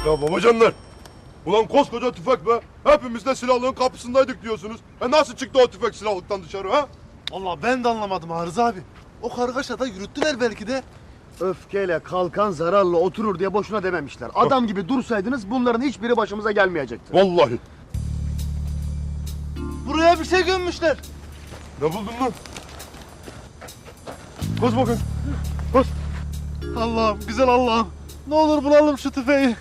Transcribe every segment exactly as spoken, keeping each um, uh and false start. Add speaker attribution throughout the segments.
Speaker 1: Ya babacanlar! Ulan koskoca tüfek be! Hepimiz de silahlığın kapısındaydık diyorsunuz. E nasıl çıktı o tüfek silahlıktan dışarı ha?
Speaker 2: Vallahi ben de anlamadım Arıza abi. O kargaşada yürüttüler belki de.
Speaker 3: Öfkeyle kalkan zararla oturur diye boşuna dememişler. Adam gibi dursaydınız bunların hiçbiri başımıza gelmeyecekti.
Speaker 1: Vallahi.
Speaker 2: Buraya bir şey gömmüşler.
Speaker 1: Ne buldun lan? Koş bakayım. Koş.
Speaker 2: Allah'ım, güzel Allah'ım. Ne olur bulalım şu tüfeği.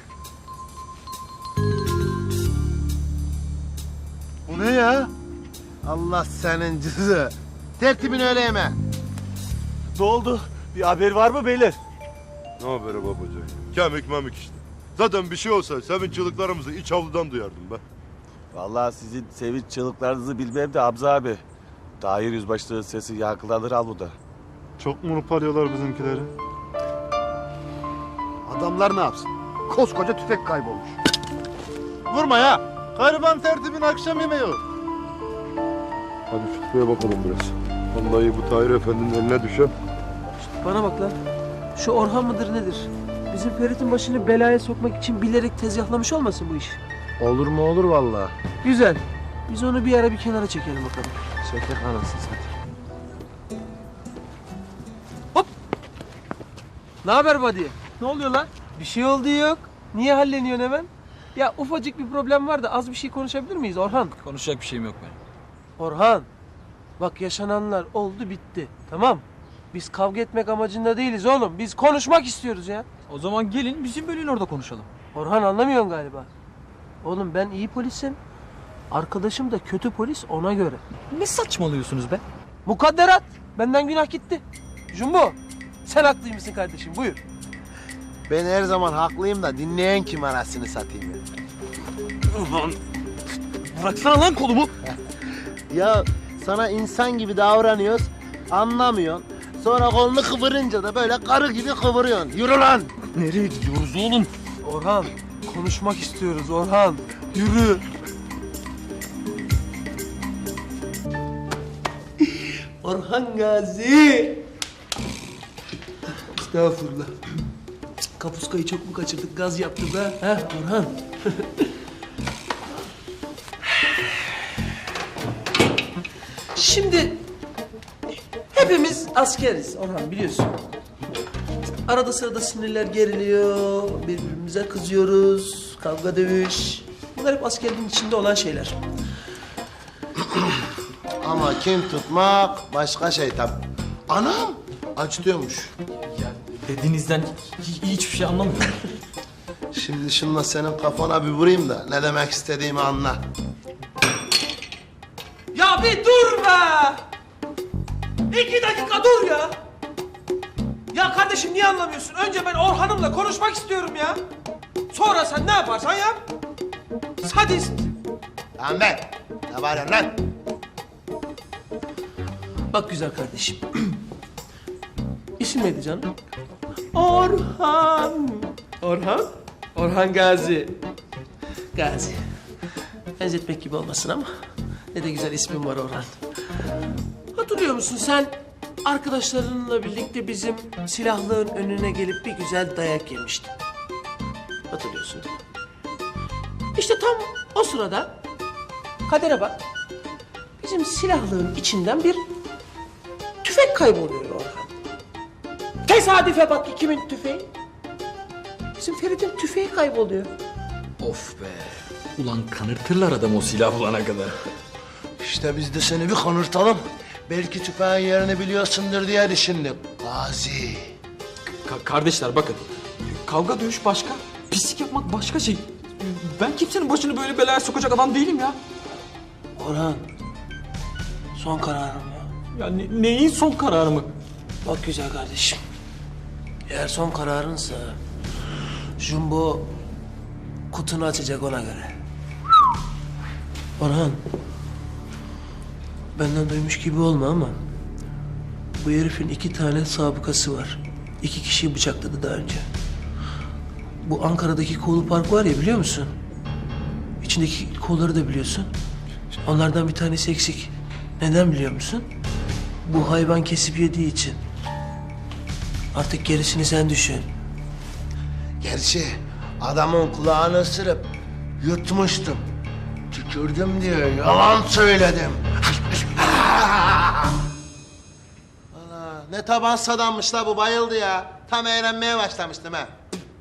Speaker 2: Bu ne ya?
Speaker 4: Allah senin cızı. Tertibini öyle yeme.
Speaker 2: Ne oldu? Bir haber var mı beyler?
Speaker 1: Ne haberi babacan? Kemik memik işte. Zaten bir şey olsa sevinç çığlıklarımızı iç avludan duyardım be.
Speaker 5: Vallahi sizin sevinç çığlıklarınızı bilmem de Hamza abi. Tahir Yüzbaşı'nın sesi yankılanır avluda.
Speaker 2: Çok mu arıyorlar bizimkileri?
Speaker 3: Adamlar ne yapsın? Koskoca tüfek kaybolmuş.
Speaker 2: Vurma ya. Gariban tertibin akşam yemeği o.
Speaker 1: Hadi şu tüfeğe bakalım biraz. Vallahi bu Tahir Efendi'nin eline düşen.
Speaker 6: Bana bak lan. Şu Orhan mıdır nedir? Bizim Ferit'in başını belaya sokmak için bilerek tezgahlamış olmasın bu iş?
Speaker 4: Olur mu olur vallahi.
Speaker 6: Güzel. Biz onu bir ara bir kenara çekelim bakalım.
Speaker 4: Çekek anasını satayım.
Speaker 6: Ne haber buddy? Ne oluyor lan? Bir şey oldu yok. Niye halleniyorsun hemen? Ya ufacık bir problem var da az bir şey konuşabilir miyiz Orhan?
Speaker 7: Konuşacak bir şeyim yok benim.
Speaker 6: Orhan. Bak yaşananlar oldu bitti. Tamam. Biz kavga etmek amacında değiliz oğlum. Biz konuşmak istiyoruz ya.
Speaker 7: O zaman gelin bizim bölüğün orada konuşalım.
Speaker 6: Orhan anlamıyorsun galiba. Oğlum ben iyi polisim. Arkadaşım da kötü polis ona göre.
Speaker 7: Ne saçmalıyorsunuz be?
Speaker 6: Mukadderat. Benden günah gitti. Jumbo. Sen haklıymışsın kardeşim. Buyur.
Speaker 4: Ben her zaman haklıyım da dinleyen kim anasını satayım ya.
Speaker 7: Ulan bıraksana lan kolumu.
Speaker 4: Ya sana insan gibi davranıyoruz, anlamıyorsun. Sonra kolunu kıvırınca da böyle karı gibi kıvırıyorsun. Yürü lan!
Speaker 7: Nereye gidiyoruz oğlum?
Speaker 6: Orhan. Konuşmak istiyoruz Orhan. Yürü. Orhan Gazi. Estağfurullah. Kapuskayı çok mu kaçırdık? Gaz yaptı be. Ha Orhan. Şimdi hepimiz askeriz Orhan biliyorsun. Arada sırada sinirler geriliyor, birbirimize kızıyoruz, kavga dövüş. Bunlar hep askerliğin içinde olan şeyler.
Speaker 4: Ama kim tutmak başka şey tabii. Anam acıtıyormuş.
Speaker 7: Ya dediğinizden hi- hiçbir şey anlamıyorum.
Speaker 4: Şimdi şunla senin kafana bir vurayım da ne demek istediğimi anla.
Speaker 6: Ya bir dur be! İki dakika dur ya! Ya kardeşim niye anlamıyorsun? Önce ben Orhan'ımla konuşmak istiyorum ya. Sonra sen ne yaparsan yap. Sadist.
Speaker 4: Lan be! Ne bağırıyorsun lan?
Speaker 6: Bak güzel kardeşim. İsim neydi canım? Orhan. Orhan? Orhan Gazi. Gazi. Benzetmek gibi olmasın ama ne de güzel ismin var Orhan. Hatırlıyor musun sen arkadaşlarınla birlikte bizim silahlığın önüne gelip bir güzel dayak yemiştin. Hatırlıyorsun değil mi? İşte tam o sırada kadere bak. Bizim silahlığın içinden bir tüfek kayboluyor Orhan. Tesadüfe bak ki kimin tüfeği? Bizim Ferit'in tüfeği kayboluyor.
Speaker 7: Of be. Ulan kanırtırlar adam o silah bulana kadar.
Speaker 4: İşte biz de seni bir konurtalım. Belki tüfeğin yerini biliyorsundur diye düşündük. Gazi.
Speaker 7: Ka- kardeşler bakın. Kavga dövüş başka. Pislik yapmak başka şey. Ben kimsenin başını böyle belaya sokacak adam değilim ya.
Speaker 6: Orhan, son kararım ya.
Speaker 7: Ya ne- neyin son kararı mı?
Speaker 6: Bak güzel kardeşim. Eğer son kararınsa Jumbo kutunu açacak ona göre. Orhan, benden duymuş gibi olma ama bu herifin iki tane sabıkası var. İki kişiyi bıçakladı daha önce. Bu Ankara'daki Kolu Park var ya biliyor musun? İçindeki kolları da biliyorsun. Onlardan bir tanesi eksik. Neden biliyor musun? Bu hayvan kesip yediği için. Artık gerisini sen düşün.
Speaker 4: Gerçi Adamın kulağını ısırıp yutmuştum. Tükürdüm diyor, yalan söyledim. Ana, ne taban sadanmış la bu, bayıldı ya. Tam eğlenmeye başlamıştım ha.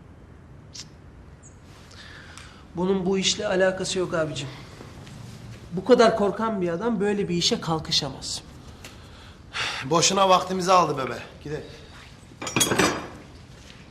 Speaker 6: Bunun bu işle alakası yok abicim. Bu kadar korkan bir adam böyle bir işe kalkışamaz.
Speaker 4: Boşuna vaktimizi aldı bebe. Gidelim.